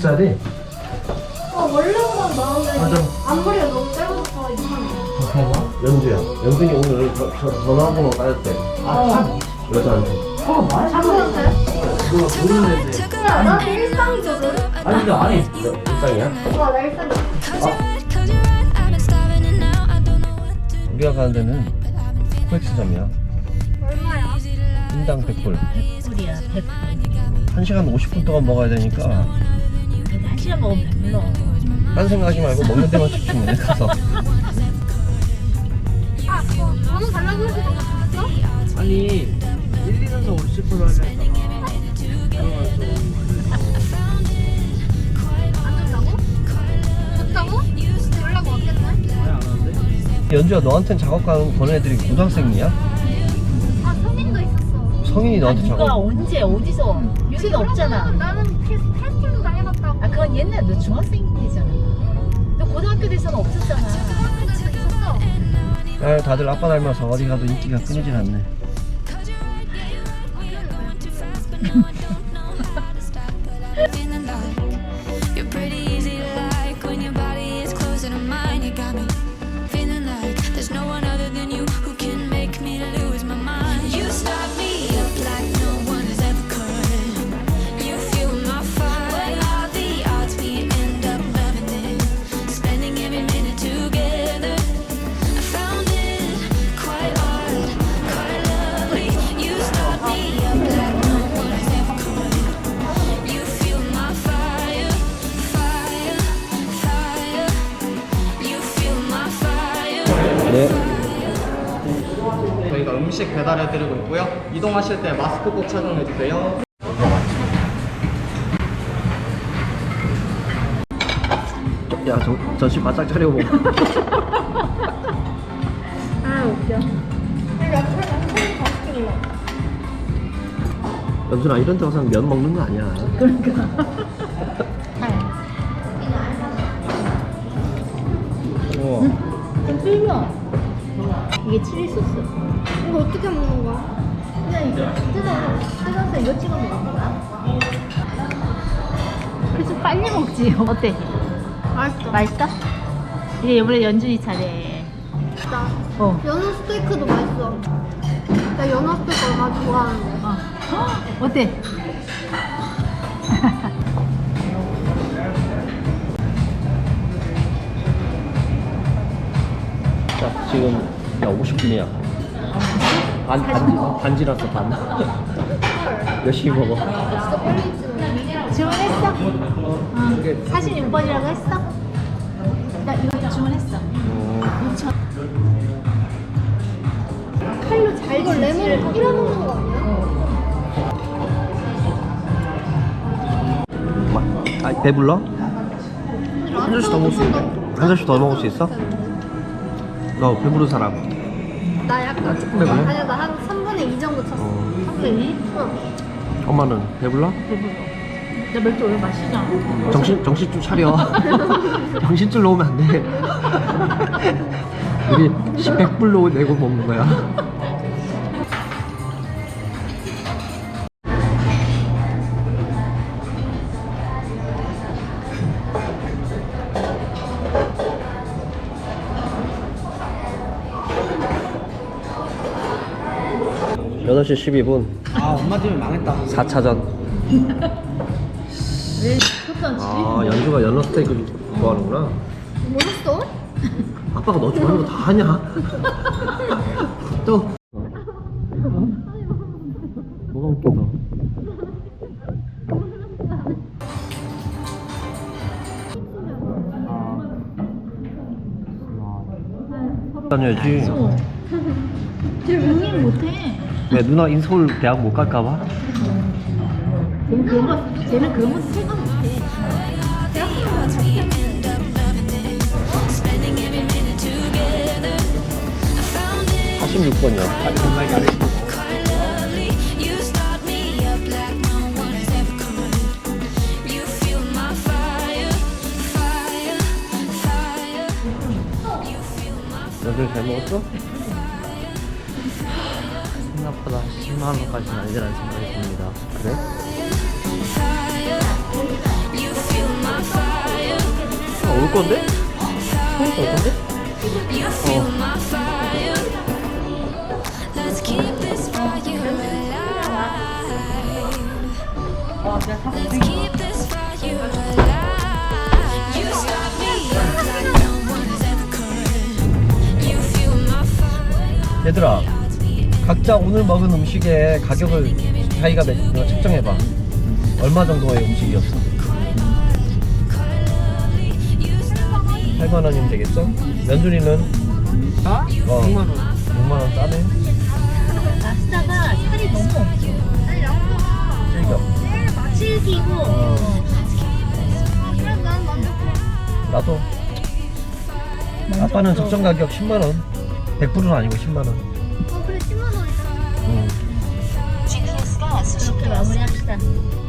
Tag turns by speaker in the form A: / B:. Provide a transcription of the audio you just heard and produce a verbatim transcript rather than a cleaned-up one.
A: 써야 돼.
B: 어, 원래보다 나은데
A: 맞아.
B: 앞머리가 너무 짧아서 이상해.
A: 그런가? 연주야. 연준이 오늘 저, 저, 전화번호 따였대. 아, 여자한테.
B: 잠깐만요.
A: 몰라, 모르는데.
B: 야, 나 일상이거든.
A: 아니, 근데 아니. 일상이야?
B: 와, 나 일상이야.
A: 우리가 가는 데는 코엑스점이야.
B: 얼마야?
A: 인당 백 불.
C: 불이야, 백 불.
A: 한 시간 오십 분 동안 먹어야 되니까.
C: 한 시간 먹으면 배불러.
A: 딴 생각하지 말고 먹는 데만 집중해, 가서.
B: 아, 뭐, 번호 달라고 해서 너무 좋았어?
A: 아니, 일, 이 단서 오십 불로 하자.
B: 안 준다고? 좋다고? 연락 왔겠네?
A: 연주야, 너한텐 작업 가는 보낸 애들이 고등학생이야?
B: 아, 성인도 있었어.
A: 성인이 너한테
C: 누가
A: 작업.
C: 언제 어디서 여기는 없잖아.
B: 나는 테스, 테스팅도 당해봤다고.
C: 아 그건 옛날 너 중학생 때잖아. 너 고등학교 돼서는 없었잖아.
B: 중학생도 있었어.
A: 아, 다들 아빠 닮아서 어디 가도 인기가 끊이질 않네.
D: You're pretty easy to like when your body is closer to mine. You got me feeling like there's no one other than you who can make me lose my mind. You start me up like no one has ever could. You fuel my fire. When all the odds we end up loving it, spending every minute together. I found it quite hard, quite lovely. You start me up like no one has ever could. You fuel my fire, fire, fire. You fuel my fire.
A: 네.
E: 저희가 음식 배달해드리고 있고요. 이동하실 때 마스크 꼭 착용해주세요.
A: 야, 저, 전시 바짝 차려보고.
B: 아, 웃겨.
A: 연준아, 이런 데 와서 면 먹는 거 아니야. 우와.
C: 좀 풀면 이게 칠리 소스.
B: 이거 어떻게 먹는 거야?
C: 그냥 이거 뜯어 뜯어서 이거 찍어 먹는 거야. 그래서 빨리 먹지. 어때?
B: 맛있어.
C: 맛있어? 이제 이번에 연준이 차례.
B: 나
C: 어.
B: 연어 스테이크도 맛있어. 나 연어 스테이크 얼마나 좋아하는데.
C: 어. 헉, 어때?
A: 자, 지금, 야, 오십 분이야. 반, 반, 반 지났어, 반. 열심히 먹어.
B: 진짜 빨리 찍어.
C: 주문했어? 어. 사십육 번이라고 했어? 나 이거 주문했어. 오천.
B: 칼로 잘 이걸 레몬을 뿌려 먹는 거 아니야?
A: 마, 아, 배불러? 한 잔씩 더 먹을 수 있어? 한 잔씩 더 먹을 수 있어? 너 배부른 사람.
B: 나 약간
A: 조금 배불러?
B: 아니야, 나 한 삼분의 이 정도 쳤어.
A: 어.
C: 삼분의 이?
B: 응.
A: 엄마는 배불러?
C: 배불러. 나 맥주 오늘 마시잖아.
A: 정신, 정신 좀 차려. 정신줄 놓으면 안 돼. 우리 백 불로 내고 먹는 거야. 여덟 시 십이 분
E: 아, 엄마 때문에 망했다.
A: 사 차전.
C: 왜 쳤던지.
A: 아, 연주가 연어 스테이크 좋아하는구나.
B: 뭐였어?
A: 아빠가 너 좋아하는 거 다 하냐? 또 뭐가 웃겨서? 다녀야지.
C: 쟤 응행 못해.
A: 왜 누나 인서울 대학 못 갈까봐?
C: 쟤는 그런 거, 쟤는 그런 거 생각 못해.
A: 사십육 번이요.
D: You start me up like no one has ever could. You fuel my fire, fire, fire. You fuel my
A: 연준 잘 먹었어?
E: 생각보다 십만 원까지는 아니라는 생각이 듭니다.
A: 그래?
D: fire. You fuel
A: 건데? 그러니까 올 건데?
D: You feel my fire. Let's keep this fire alive. Let's keep this fire alive. You start me up like no one has ever could. You feel my fire.
A: 얘들아, 각자 오늘 먹은 음식의 가격을 자기가 매- 측정해봐. 얼마 정도의 음식이었어? 팔만 원이면 되겠어? 면준이는?
E: 아?
A: 어,
E: 육만 원.
A: 육만 원 싸네?
C: 랍스타가 살이 너무 없어.
B: 아니 양파.
A: 그러니까
C: 질기고.
A: 어.
B: 그래 난 만족해.
A: 나도 아빠는 적정 가격 십만 원. 백 퍼센트는 아니고 십만 원.
B: 어 그래 십만 원이다.
A: 응.
C: 그렇게 마무리합시다.